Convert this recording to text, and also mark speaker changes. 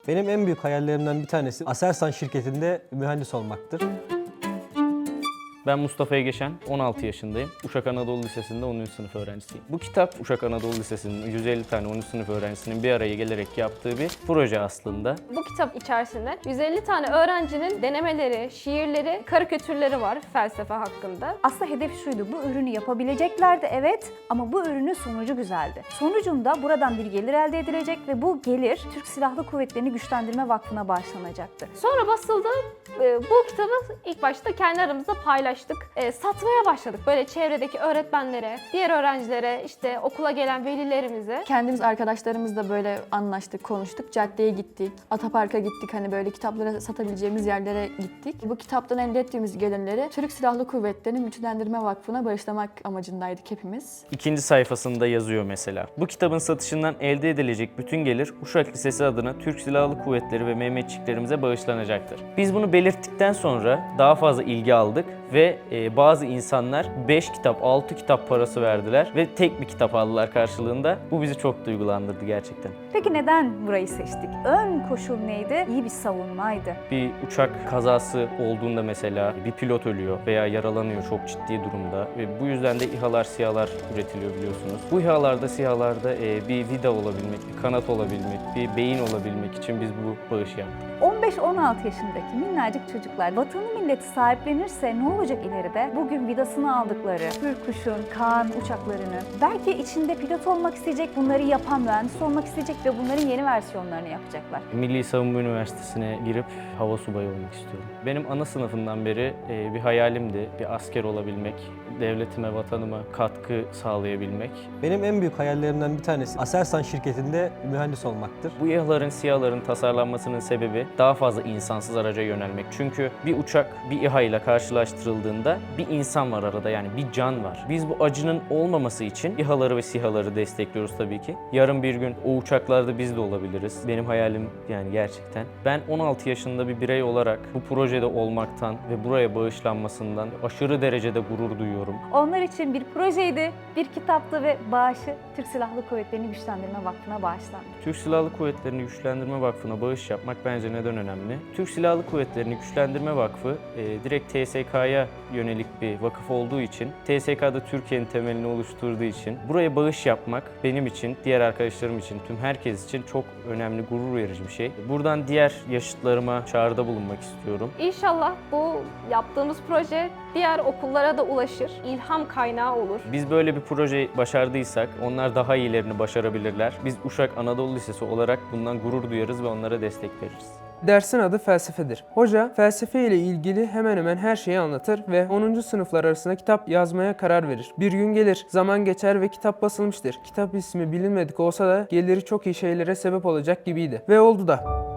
Speaker 1: Benim en büyük hayallerimden bir tanesi Aselsan şirketinde mühendis olmaktır.
Speaker 2: Ben Mustafa Egeşen, 16 yaşındayım. Uşak Anadolu Lisesi'nde 10. sınıf öğrencisiyim. Bu kitap Uşak Anadolu Lisesi'nin 150 tane 10. sınıf öğrencisinin bir araya gelerek yaptığı bir proje aslında.
Speaker 3: Bu kitap içerisinde 150 tane öğrencinin denemeleri, şiirleri, karikatürleri var felsefe hakkında.
Speaker 4: Aslında hedef şuydu, bu ürünü yapabileceklerdi evet ama bu ürünün sonucu güzeldi. Sonucunda buradan bir gelir elde edilecek ve bu gelir Türk Silahlı Kuvvetleri'ni Güçlendirme Vakfı'na bağışlanacaktı.
Speaker 3: Sonra basıldı. Bu kitabı ilk başta kendi aramızda paylaştık. Satmaya başladık. Böyle çevredeki öğretmenlere, diğer öğrencilere, işte okula gelen velilerimize.
Speaker 5: Kendimiz arkadaşlarımızla böyle anlaştık, konuştuk. Caddeye gittik, Atapark'a gittik. Hani böyle kitapları satabileceğimiz yerlere gittik. Bu kitaptan elde ettiğimiz gelirleri Türk Silahlı Kuvvetleri'nin Güçlendirme Vakfı'na bağışlamak amacındaydık hepimiz.
Speaker 2: İkinci sayfasında yazıyor mesela. Bu kitabın satışından elde edilecek bütün gelir Uşak Lisesi adına Türk Silahlı Kuvvetleri ve Mehmetçiklerimize bağışlanacaktır. Biz bunu belirttikten sonra daha fazla ilgi aldık ve bazı insanlar 5 kitap, 6 kitap parası verdiler ve tek bir kitap aldılar karşılığında. Bu bizi çok duygulandırdı gerçekten.
Speaker 4: Peki neden burayı seçtik? Ön koşul neydi? İyi bir savunmaydı.
Speaker 2: Bir uçak kazası olduğunda mesela bir pilot ölüyor veya yaralanıyor çok ciddi durumda ve bu yüzden de İHA'lar, SİHA'lar üretiliyor biliyorsunuz. Bu İHA'larda, SİHA'larda bir vida olabilmek, bir kanat olabilmek, bir beyin olabilmek için biz bu bağışı yaptık.
Speaker 4: 15-16 yaşındaki minnacık çocuklar vatanı milleti sahiplenirse ne olacak ileride? Bugün vidasını aldıkları Hürkuş'un, Kaan uçaklarını, belki içinde pilot olmak isteyecek, bunları yapan mühendis olmak isteyecek ve bunların yeni versiyonlarını yapacaklar.
Speaker 2: Milli Savunma Üniversitesi'ne girip hava subayı olmak istiyorum. Benim ana sınıfından beri bir hayalimdi, bir asker olabilmek, devletime, vatanıma katkı sağlayabilmek.
Speaker 1: Benim en büyük hayallerimden bir tanesi Aselsan şirketinde mühendis olmaktır.
Speaker 2: Bu İHA'ların, SİHA'ların tasarlanmasının sebebi daha fazla insansız araca yönelmek. Çünkü bir uçak bir İHA ile karşılaştırıldığında bir insan var arada, yani bir can var. Biz bu acının olmaması için İHA'ları ve SİHA'ları destekliyoruz tabii ki. Yarın bir gün o uçaklarda biz de olabiliriz. Benim hayalim yani gerçekten. Ben 16 yaşında bir birey olarak bu projede olmaktan ve buraya bağışlanmasından aşırı derecede gurur duyuyorum.
Speaker 4: Onlar için bir projeydi, bir kitaptı ve bağışı Türk Silahlı Kuvvetleri'ni Güçlendirme Vakfı'na bağışlandı.
Speaker 2: Türk Silahlı Kuvvetleri'ni Güçlendirme Vakfı'na bağış yapmak bence neden önemli? Türk Silahlı Kuvvetleri'ni Güçlendirme Vakfı direkt TSK'ya yönelik bir vakıf olduğu için, TSK'da Türkiye'nin temelini oluşturduğu için buraya bağış yapmak benim için, diğer arkadaşlarım için, tüm herkes için çok önemli, gurur verici bir şey. Buradan diğer yaşıtlarıma çağrıda bulunmak istiyorum.
Speaker 3: İnşallah bu yaptığımız proje diğer okullara da ulaşır, ilham kaynağı olur.
Speaker 2: Biz böyle bir proje başardıysak onlar daha iyilerini başarabilirler. Biz Uşak Anadolu Lisesi olarak bundan gurur duyarız ve onlara destek veririz.
Speaker 6: Dersin adı felsefedir. Hoca felsefe ile ilgili hemen hemen her şeyi anlatır ve 10. sınıflar arasında kitap yazmaya karar verir. Bir gün gelir, zaman geçer ve kitap basılmıştır. Kitap ismi bilinmedik olsa da geliri çok iyi şeylere sebep olacak gibiydi. Ve oldu da.